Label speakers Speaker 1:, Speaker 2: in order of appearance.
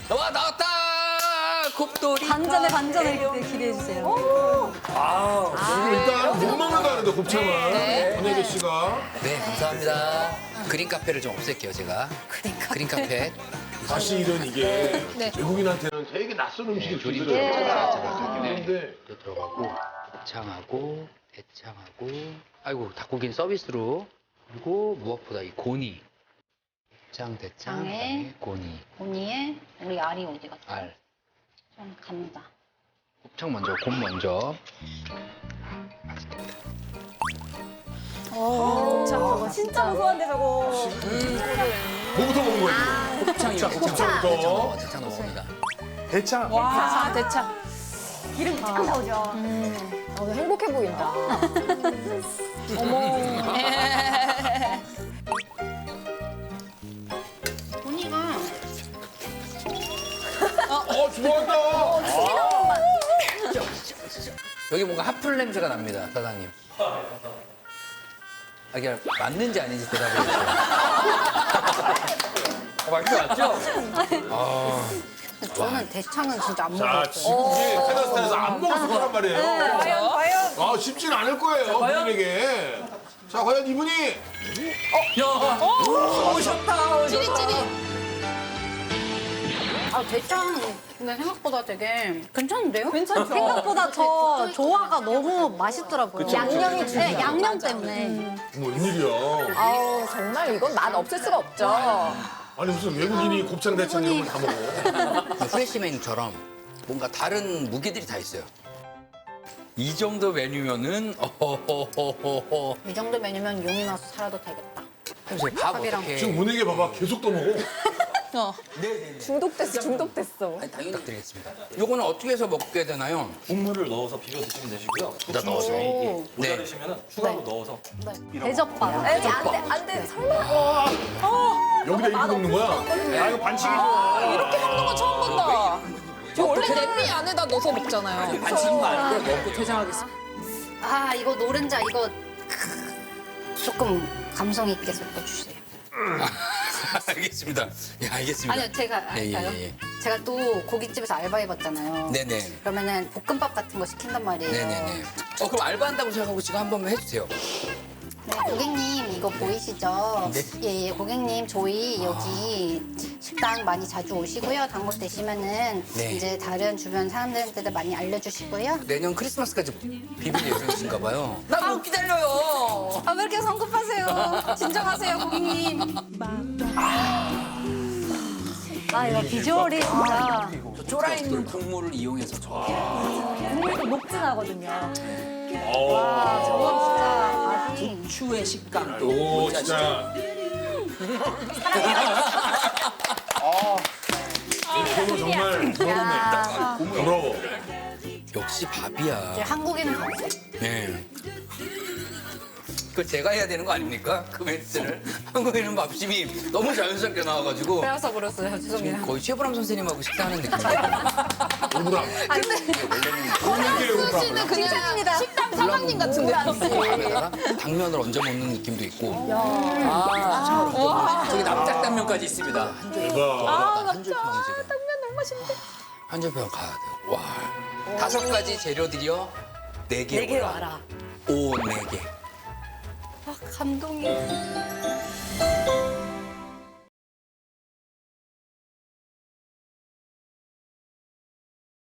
Speaker 1: 와 나왔다. 곱돌이.
Speaker 2: 반전에 기대해 주세요.
Speaker 3: 일단 못 먹는다는데 곱창을 권혜교 씨가
Speaker 1: 네 감사합니다. 그린 카페를 좀 없앨게요 제가. 그린 카페.
Speaker 3: 사실은 이게 외국인한테는 되게 낯선 음식이
Speaker 1: 조림
Speaker 3: 주더라고요. 그런데
Speaker 1: 들어가고 곱창하고 대창하고 아이고 닭고기는 서비스로 그리고 무엇보다 이 고니. 곱창 대창
Speaker 4: 곱창에
Speaker 1: 그다음에 고니
Speaker 4: 언니의 우리 알이 어디 갔지?
Speaker 1: 알.
Speaker 4: 좀 갑니다.
Speaker 1: 곱창 먼저 곰 먼저.
Speaker 2: 진짜 무서운데 저거.
Speaker 3: 뭐부터 먹는 거예요?
Speaker 1: 곱창이요.
Speaker 3: 곱창부터.
Speaker 1: 대창 넣습니다.
Speaker 3: 대창.
Speaker 5: 와, 대창.
Speaker 2: 기름 쫙 나오죠.
Speaker 5: 오늘 행복해 보인다.
Speaker 4: 언니가
Speaker 3: 좋아한다.
Speaker 1: 여기 뭔가 핫플 냄새가 납니다, 사장님. 아, 이게 맞는지 아닌지 대답해 주세요. 맞지 맞죠?
Speaker 4: 저는 대창은 진짜 안
Speaker 3: 자,
Speaker 4: 먹었어요.
Speaker 3: 지금 카자흐스탄에서 안 먹었을 거란 말이에요.
Speaker 5: 과연.
Speaker 3: 아, 쉽지는 않을 거예요, 본인에게. 자, 과연 이분이
Speaker 1: 오셨다.
Speaker 4: 아 대창 근데 생각보다 되게 괜찮은데요?
Speaker 2: 괜찮죠? 생각보다 저 조화가 너무 맛있더라고요. 양념이 네, 양념 때문에.
Speaker 3: 뭐 웬일이야.
Speaker 5: 아우, 정말 이건 맛 없을 수가 없죠.
Speaker 3: 아니, 무슨 외국인이 곱창, 대창 이런 걸 다 먹어.
Speaker 1: 프레시맨처럼 뭔가 다른 무기들이 다 있어요. 이 정도 메뉴면은 어허허허허.
Speaker 4: 이 정도 메뉴면 용이 나서 살아도 되겠다.
Speaker 1: 해보세요. 밥
Speaker 4: 밥이랑.
Speaker 1: 어떻게?
Speaker 3: 지금 문에게 봐봐, 계속 떠먹어.
Speaker 5: 중독됐어.
Speaker 1: 아니, 당연히 부탁드리겠습니다. 요거는 어떻게 해서 먹게 되나요?
Speaker 6: 국물을 넣어서 비벼 드시면 되시고요.
Speaker 1: 다 넣어서.
Speaker 4: 오.
Speaker 6: 모자르시면 추가로 넣어서
Speaker 2: 대접밥.
Speaker 5: 에이, 안 돼, 설마.
Speaker 3: 여기다 이렇게 먹는 거야?
Speaker 6: 야 이거 반칙이죠.
Speaker 5: 이렇게 먹는 건 처음 본다. 저 원래 냄비 안에다 넣어서 먹잖아요.
Speaker 1: 반칙인 거 알고 먹고 퇴장하겠습니다.
Speaker 4: 아 이거 노른자 이거 조금 감성 있게 섞어주세요.
Speaker 1: 알겠습니다. 예, 알겠습니다.
Speaker 4: 아니요 제가
Speaker 1: 예,
Speaker 4: 할까요?
Speaker 1: 예, 예.
Speaker 4: 제가 또 고깃집에서 알바해봤잖아요.
Speaker 1: 네네.
Speaker 4: 그러면은 볶음밥 같은 거 시킨단 말이에요.
Speaker 1: 네네네. 그럼 알바한다고 생각하고 지금 한 번만 해주세요.
Speaker 4: 네, 고객님 이거 보이시죠?
Speaker 1: 네.
Speaker 4: 예, 고객님 저희 여기 식당 많이 자주 오시고요. 단골 되시면은
Speaker 1: 네.
Speaker 4: 이제 다른 주변 사람들한테도 많이 알려주시고요.
Speaker 1: 내년 크리스마스까지 비빌 예정이신가 봐요. 나 못 기다려요.
Speaker 4: 아 왜 이렇게 성급하세요? 진정하세요 고객님.
Speaker 2: 아 이거 비주얼이 진짜
Speaker 1: 저 쫄아 있는 국물을 이용해서 저.
Speaker 2: 국물도 녹진하거든요.
Speaker 4: 저건 진짜 맛이
Speaker 1: 추의 식감도.
Speaker 3: 오, 진짜. 이거 정말 부럽네. 부러워.
Speaker 1: 역시 밥이야.
Speaker 4: 이제 한국인은 감성.
Speaker 1: 네. 그걸 제가 해야 되는 거 아닙니까? 그 멘트를. 한국인은 밥심이 너무 자연스럽게 나와가지고
Speaker 4: 빼앗아 버렸어요. 죄송해요.
Speaker 1: 거의 최보람 선생님하고 식사하는 느낌이에요.
Speaker 3: 오브람. 오늘의 오브람.
Speaker 5: 씨는 그냥 식당 사장님 같은데요.
Speaker 1: 밥에다가 당면을 얹어 먹는 느낌도 있고. 저기 납작 당면까지 있습니다.
Speaker 3: 대박.
Speaker 1: 한줄평 지금.
Speaker 5: 당면 너무 맛있는데.
Speaker 1: 한줄평 가야 돼요. 와. 5가지 재료들이요. 4개 와라. 오, 4개.
Speaker 4: 감동이.